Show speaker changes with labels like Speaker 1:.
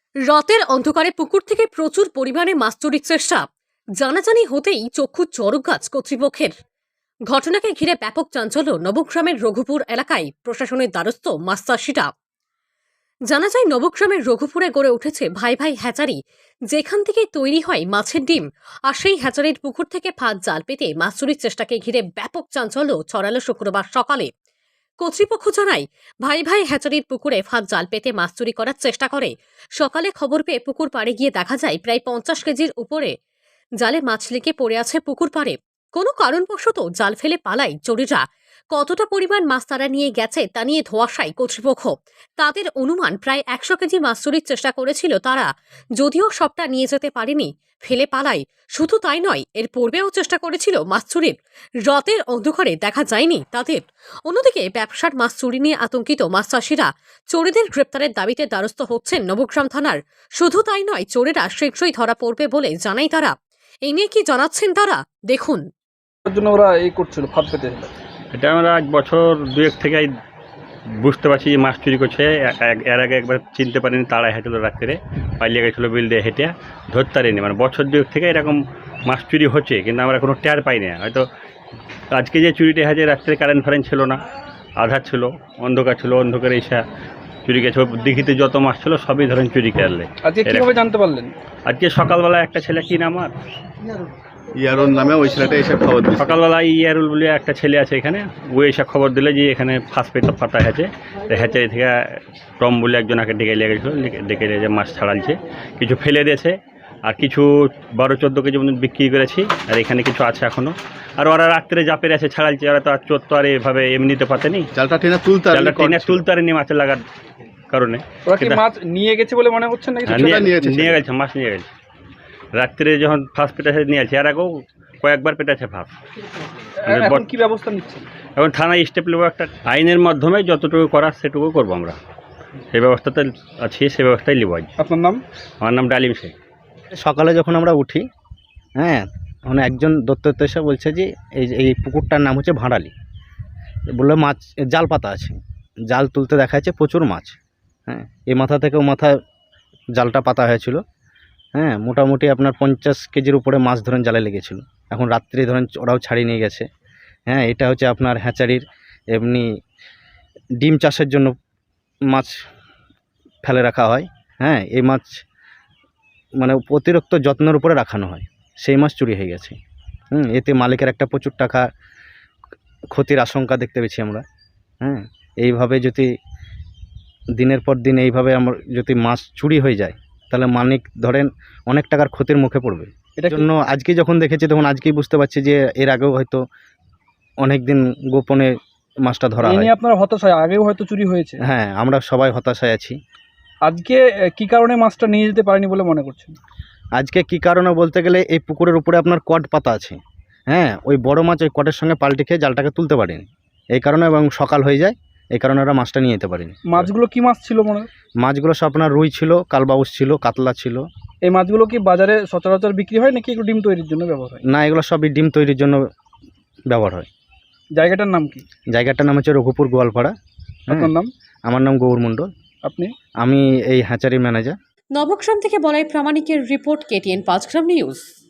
Speaker 1: রাতের অন্ধকারে পুকুর থেকে প্রচুর পরিমাণে মাছ চুরির চেষ্টা। জানাজানি হতেই চক্ষু চড়ক গাছ কর্তৃপক্ষের। ঘটনাকে ঘিরে ব্যাপক চাঞ্চল্য নবগ্রামের রঘুপুর এলাকায়। প্রশাসনের দ্বারস্থ মাছ চাষিরা। জানা যায়, নবগ্রামের রঘুপুরে গড়ে উঠেছে ভাই ভাই হ্যাচারি, যেখান থেকে তৈরি হয় মাছের ডিম। আর সেই হ্যাচারির পুকুর থেকে ফাঁদ জাল পেতে মাছ চুরির চেষ্টাকে ঘিরে ব্যাপক চাঞ্চল্য ছড়ালো শুক্রবার সকালে। কর্তৃপক্ষ জানায়, ভাই ভাই হ্যাচারির পুকুরে ফাঁদ জাল পেতে মাছ চুরি করার চেষ্টা করে। সকালে খবর পেয়ে পুকুর পাড়ে গিয়ে দেখা যায় প্রায় 50 কেজির উপরে জালে মাছ লেগে পড়ে আছে পুকুর পাড়ে। কোনো কারণবশত জাল ফেলে পালায় চোরেরা। কতটা পরিমাণ মাছ তারা নিয়ে গেছে তা নিয়ে ধোঁয়াশায় কর্তৃপক্ষ। তাদের অনুমান প্রায় 100 কেজি মাছ চুরির চেষ্টা করেছিল তারা, যদিও সবটা নিয়ে যেতে পারেনি, ফেলে পালায়। শুধু তাই নয়, এর পূর্বেও চেষ্টা করেছিল মাছ চুরির। রাতের অন্ধকারে দেখা যায়নি তাদের। অন্যদিকে ব্যবসার মাছ চুরি নিয়ে আতঙ্কিত মাছ চাষিরা চোরেদের গ্রেপ্তারের দাবিতে দ্বারস্থ হচ্ছেন নবগ্রাম থানার। শুধু তাই নয়, চোরেরা শীঘ্রই ধরা পড়বে বলে জানাই তারা। এই নিয়ে কি জানাচ্ছেন তারা, দেখুন।
Speaker 2: জন্য ওরা এই করছিল ফাঁদ পেতে।
Speaker 3: এটা আমরা 1 বছর 2 থেকেই বুঝতে পারছি যে মাছ চুরি করছে। এর আগে একবার চিনতে পারিনি, তাড়াই হেঁটেছিল রাত্রে, পালিয়ে গেছিলো বিল দিয়ে হেঁটে, ধরতে পারিনি। মানে বছর 2 থেকে এরকম মাছ চুরি হচ্ছে, কিন্তু আমরা কোনো টের পাই না। হয়তো আজকে যে চুরিটা হয়েছে, রাত্রে কারেন্ট ফারেন্ট ছিল না, আধার ছিল, অন্ধকার ছিল, অন্ধকারে এসে চুরি গেছে। দিঘিতে যত মাছ ছিল সবই ধরেন চুরি করলে।
Speaker 2: আজকে কিভাবে জানতে পারলেন?
Speaker 3: আজকে সকালবেলা একটা ছেলে, কি নাম আর,
Speaker 4: ইয়ারুল নামে ওই ছেলেটা এসে খবর দিচ্ছে।
Speaker 3: সকালবেলা ইয়ারুল বলে একটা ছেলে আছে এখানে, ও এসে খবর দিলে যে এখানে ফার্স্ট পেতে ফাটা হয়েছে। হ্যাচারি থেকে টম বলে একজনকে ডেকে নিয়ে গেছিলো, ডেকে নিয়ে যে মাছ ছাড়ালছে, কিছু ফেলে দিয়েছে, আর কিছু 12-14 কেজি মতন বিক্রি করেছি, আর এখানে কিছু আছে এখনও। আর ওরা রাত্রে যা পেরে আছে ছাড়ালছে, ওরা তো আর চোর তো আর এভাবে এমনিতে পাতেনি,
Speaker 4: জালটা টেনে তুলতে
Speaker 3: পারেনি মাছে লাগার কারণে।
Speaker 2: ওরা কি মাছ নিয়ে গেছে বলে মনে হচ্ছে নাকি?
Speaker 3: নিয়ে গেছে, মাছ নিয়ে গেছে। রাত্রে যখন ফার্স্ট পেটাছে নিয়ে আছে, আর আগেও কয়েকবার পেটাছে ফার্স্ট।
Speaker 2: এখন কি ব্যবস্থা নিচ্ছেন?
Speaker 3: এখন থানায় স্টেপ নেবো, একটা আইনের মাধ্যমে যতটুকু করার সেটুকু করবো আমরা। সেই ব্যবস্থাতে আছি, সেই ব্যবস্থায় নিব।
Speaker 2: আপনার নাম?
Speaker 3: আমার নাম ডালিম শেখ।
Speaker 5: সকালে যখন আমরা উঠি, তখন একজন দত্তত্ব এসে বলছে যে এই পুকুরটার নাম হচ্ছে ভাঁড়ালি। বললো মাছ জাল পাতা আছে, জাল তুলতে দেখা যাচ্ছে প্রচুর মাছ। এই মাথা থেকে ও মাথা জালটা পাতা হয়েছিল। মোটামুটি আপনার 50 কেজির উপরে মাছ ধরেন জালে লেগেছিল। এখন রাত্রে ধরেন ওরাও ছাড়িয়ে নিয়ে গেছে। এটা হচ্ছে আপনার হ্যাচারির এমনি ডিম চাষের জন্য মাছ ফেলে রাখা হয়। এই মাছ মানে অতিরিক্ত যত্নের উপরে রাখানো হয়, সেই মাছ চুরি হয়ে গেছে। এতে মালিকের একটা প্রচুর টাকা ক্ষতির আশঙ্কা দেখতে পেয়েছি আমরা। এইভাবে যদি দিনের পর দিন এইভাবে আমার যদি মাছ চুরি হয়ে যায়, তাহলে মালিক ধরেন অনেক টাকার ক্ষতির মুখে পড়বে। এটার জন্য আজকে যখন দেখেছি, তখন আজকেই বুঝতে পারছি যে এর আগেও হয়তো অনেক দিন গোপনে মাছটা ধরা হয়।
Speaker 2: আপনারা হতাশায়, আগেও হয়তো চুরি হয়েছে।
Speaker 5: আমরা সবাই হতাশায় আছি।
Speaker 2: আজকে কি কারণে মাছটা নিয়ে যেতে পারেনি বলে মনে করছেন?
Speaker 5: আজকে কি কারণে বলতে গেলে, এই পুকুরের উপরে আপনার কড পাতা আছে। ওই বড় মাছ ওই কটের সঙ্গে পাল্টে খেয়ে জালটাকে তুলতে পারেনি, এই কারণে, এবং সকাল হয়ে যায়, এই কারণে ওরা মাছটা নিয়ে যেতে পারেনি।
Speaker 2: মাছগুলো কি মাছ ছিল মনে?
Speaker 5: মাছগুলো সব আপনার রুই ছিল, কালবাউস ছিল, কাতলা ছিল।
Speaker 2: এই মাছগুলো কি বাজারে সচরাচর বিক্রি হয় নাকি একটু ডিম তৈরির জন্য ব্যবহার হয়?
Speaker 5: না, এগুলো সবই ডিম তৈরির জন্য ব্যবহার হয়।
Speaker 2: জায়গাটার নাম কি?
Speaker 5: জায়গাটার নাম হচ্ছে রঘুপুর গোয়ালপাড়া।
Speaker 2: আপনার নাম?
Speaker 5: আমার নাম গৌর মণ্ডল।
Speaker 2: আপনি?
Speaker 5: আমি এই হ্যাচারি ম্যানেজার।
Speaker 1: নবগ্রাম থেকে বলাই প্রামাণিকের রিপোর্ট, KTN 5 গ্রাম নিউজ।